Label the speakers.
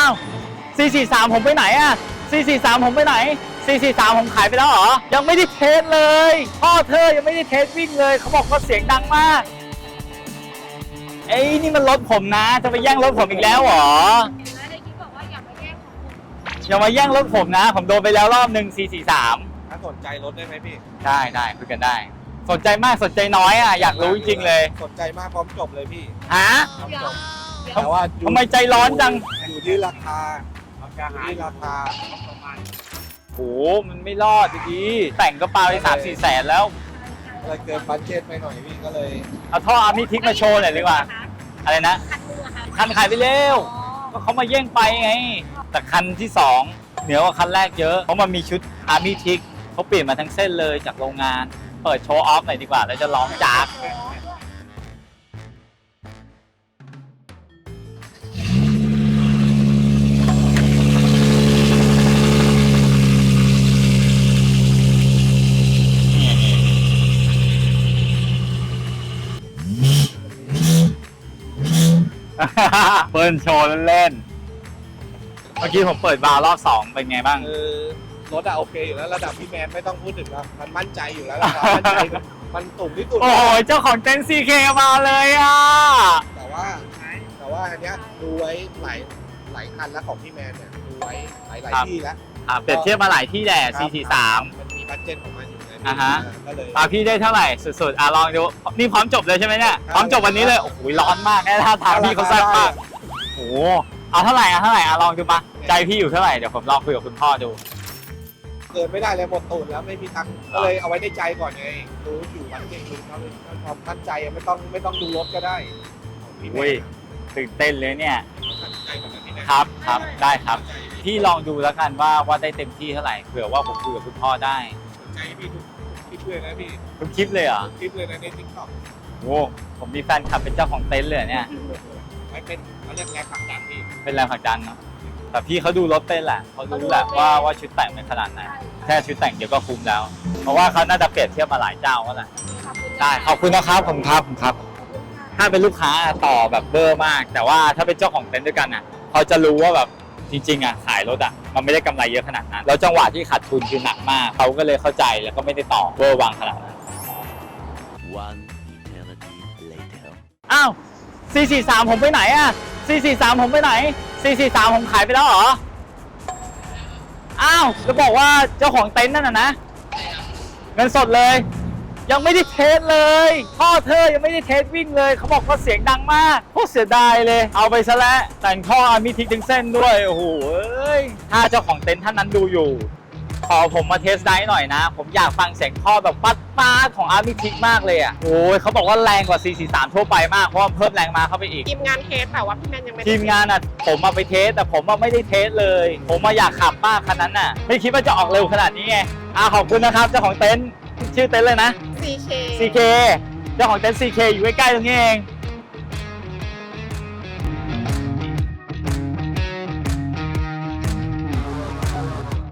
Speaker 1: าว443ผมไปไหนอะ443ผมไปไหน443ผมขายไปแล้วเหรอยังไม่ได้เทสเลยพ่อเธอยังไม่ได้เทสวิ่งเลยเขาบอกว่าเสียงดังมากเอ้ยนี่มันรถผมนะจะไปแย่งรถผมอีกแล้วเหรอ
Speaker 2: ในคลิปบอกว่าอย่ามาแย่งของคุณ
Speaker 1: อย่ามาแย่งรถผมนะผมโดนไปแล้วรอบหนึ่ง443
Speaker 3: ถ้าสนใจรถได้ไหมพี่
Speaker 1: ได้คุยกันได้สนใจมากสนใจน้อยอ่ะอยากรู้จริงๆเลย
Speaker 3: สนใจมากพร้อมจบเลยพี่
Speaker 1: ฮะ
Speaker 3: พร้อม
Speaker 2: เดี๋ยว
Speaker 3: จบ
Speaker 2: เดี๋ยว
Speaker 3: แต่ว่า
Speaker 1: ทำไมใจร้อนจัง
Speaker 3: อยู่ที่ราคาอยู่ที่ราคา
Speaker 1: โหมันไม่รอดดีแต่งก็ปาไป3-4 แสนแล้ว
Speaker 3: อะไรเกินบัดเจ็ตไปหน่อยพี่ก็เลย
Speaker 1: เอาท่ออาร์มิทิกมาโชว์หน่อยดีกว่าอะไรนะ
Speaker 2: คันนึงอะค่ะ
Speaker 1: คันขายไปเร็ว
Speaker 2: อ๋อ
Speaker 1: ก็เขามาแย่งไปไงแต่คันที่2เหนือกว่าคันแรกเยอะเพราะมันมีชุดอาร์มิทิกเขาเปลี่ยนมาทั้งเส้นเลยจากโรงงานเปิดโชว์ออฟหน่อยดีกว่าแล้วจะร้องจาก เปิดโชว์เล่นๆเมื่อกี้ผมเปิดบาร์รอบ2เป็นไงบ้าง
Speaker 3: รถอะโอเคอยู่แล้วระดับพี่แมนไม่ต้องพูดถึงแล้วมันมั่นใจอยู่แล้วราคามั่นใจมันสูงที่สุด
Speaker 1: โอ้โหเจ้าของเต็นท์ CK มาเลยอ่ะ
Speaker 3: แต่ว่าอันเนี้ยดูไว้หลายคันแล้วของพี่แมนเนี่ยดูไว้หลายที่แล้ว
Speaker 1: เปรียบเทียบมาหลายที่แหละ 443
Speaker 3: มันมีบัดเจ็ตของมันอยู่ไง
Speaker 1: อ่าฮะ
Speaker 3: ก็เลย
Speaker 1: พี่ได้เท่าไหร่สุดๆลองดูนี่พร้อมจบเลยใช่ไหมเนี่ยพร้อมจบวันนี้เลยโอ้โหร้อนมากแน่ท่าทางพี่เขาแซ่บมากโอ้โหเอาเท่าไหร่ลองดูมาใจพี่อยู่เท่าไหร่เดี๋ยวผมลองคุยกับคุณพ่อดู
Speaker 3: เกินไม่ได้เลยหมดตูดแล้วไม่มีตังค์ก็เลยเอาไว้ในใจก่อนไงดูอยู่บัดเจ็ตดูเขาเลยความมั่นใจไม่ต้องดูรถก็ได้ของพี่แม
Speaker 1: อุ้ย
Speaker 3: น
Speaker 1: ตื่นเต้นเลยเนี่ย
Speaker 3: มั่นใจเหมือนกันพี่แมน
Speaker 1: ครับได้ครับพี่ลองดูแล้วกันว่าได้เต็มที่เท่าไหร่เผื่อว่าผมคุยกับคุณพ่อได้
Speaker 3: สนใจพี่ทุกคลิปเลยนะพี่
Speaker 1: ทุกคลิปเลยเหรอ
Speaker 3: คลิปเลยนะในทิกตอก
Speaker 1: โอ้ผมมีแฟนคลับเป็นเจ้าของเต็นท์เลยเนี่ย
Speaker 3: ไว้เป็นเขาเรียกแรงผลักดันพี่
Speaker 1: เป็นแรงผลักดันเนาะแต่พี่เขาดูรถเป็นแหละเขารู้แหละว่าชุดแต่งเป็นขนาดไหนแค่ชุดแต่งเดียวก็คุ้มแล้ว เพราะว่าเขาน่าจะเปรียบเทียบมาหลายเจ้าแล้วแหละ
Speaker 2: ขอบคุณ
Speaker 1: ได้ขอบคุณนะครับผมครับ ถ้าเป็นลูกค้าต่อแบบเบอร์มาก แต่ว่าถ้าเป็นเจ้าของเต็นท์ด้วยกันอ่ะเขาจะรู้ว่าแบบจริงๆอ่ะขายรถอ่ะมันไม่ได้กำไรเยอะขนาดนั้นแล้วจังหวะที่ขาดทุนคือหนักมากเขาก็เลยเข้าใจแล้วก็ไม่ได้ต่อเบอร์วางขนาดนั้น
Speaker 4: One eternity later.
Speaker 1: อ้าว443ผมไปไหนอ่ะ443ผมไปไหน443ผมขายไปแล้วเหรออ้าวจะบอกว่าเจ้าของเต็นท์นั่นน่ะนะเงินสดเลยยังไม่ได้เทสเลยพ่อเธอยังไม่ได้เทสวิ่งเลยเขาบอกว่าเสียงดังมากโคตรเสียดายเลยเอาไปซะแล้วแต่งท่ออาร์มิทิกถึงเส้นด้วยโอ้โหถ้าเจ้าของเต็นท์ท่านนั้นดูอยู่ขอผมมาเทสไดร์หน่อยนะผมอยากฟังเสียงท่อแบบป๊าดของอาร์มิทิกมากเลยอ่ะโอ้ยเขาบอกว่าแรงกว่า443ทั่วไปมากเพราะว่าเพิ่มแรงมาเข้าไปอีก
Speaker 2: ทีมงานเทสแต่ว่าพี่แมนยังไม่ได้
Speaker 1: ทีมงานอ่ะผมมาไปเทสแต่ผมมาไม่ได้เทสเลย ผมมาอยากขับมากคันนั้นน่ะไม่คิดว่าจะออกเร็วขนาดนี้ไงขอบคุณนะครับเจ้าของเต็นท์ชื่อเต็นท์เลยนะ
Speaker 2: CK
Speaker 1: CK เจ้าของเต็นท์ CK อยู่ใกล้ๆตรงนี้เอง